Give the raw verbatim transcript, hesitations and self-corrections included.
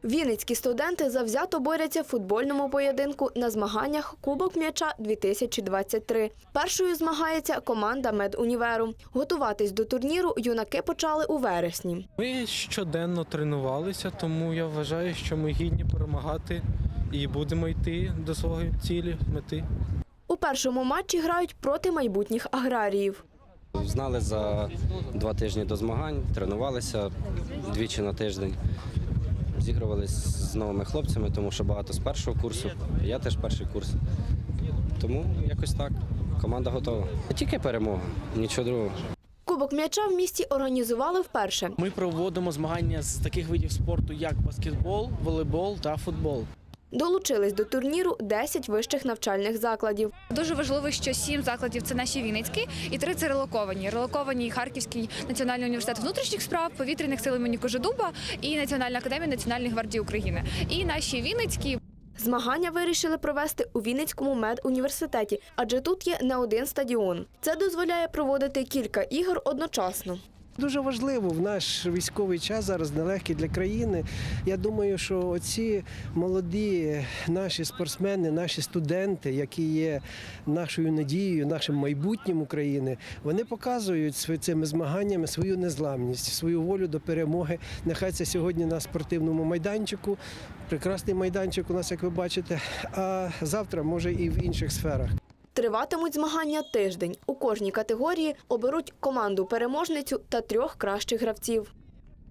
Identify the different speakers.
Speaker 1: Вінницькі студенти завзято борються в футбольному поєдинку на змаганнях «Кубок м'яча дві тисячі двадцять три». Першою змагається команда медуніверу. Готуватись до турніру юнаки почали у вересні.
Speaker 2: Ми щоденно тренувалися, тому я вважаю, що ми гідні перемагати і будемо йти до своєї цілі, мети.
Speaker 1: У першому матчі грають проти майбутніх аграріїв.
Speaker 3: Знали за два тижні до змагань, тренувалися двічі на тиждень. Зігрувалися з новими хлопцями, тому що багато з першого курсу, я теж перший курс. Тому якось так, команда готова. Тільки перемога, нічого другого.
Speaker 1: Кубок м'яча в місті організували вперше.
Speaker 4: Ми проводимо змагання з таких видів спорту, як баскетбол, волейбол та футбол.
Speaker 1: Долучились до турніру десять вищих навчальних закладів.
Speaker 5: Дуже важливо, що сім закладів – це наші вінницькі, і три – це релоковані. Релоковані Харківський національний університет внутрішніх справ, повітряних сил імені Кожедуба і Національна академія Національної гвардії України. І наші вінницькі.
Speaker 1: Змагання вирішили провести у Вінницькому медуніверситеті, адже тут є не один стадіон. Це дозволяє проводити кілька ігор одночасно.
Speaker 6: Дуже важливо в наш військовий час, зараз нелегкий для країни. Я думаю, що оці молоді наші спортсмени, наші студенти, які є нашою надією, нашим майбутнім України, вони показують цими змаганнями свою незламність, свою волю до перемоги. Нехай це сьогодні на спортивному майданчику, прекрасний майданчик у нас, як ви бачите, а завтра, може, і в інших сферах.
Speaker 1: Триватимуть змагання тиждень. У кожній категорії оберуть команду-переможницю та трьох кращих гравців.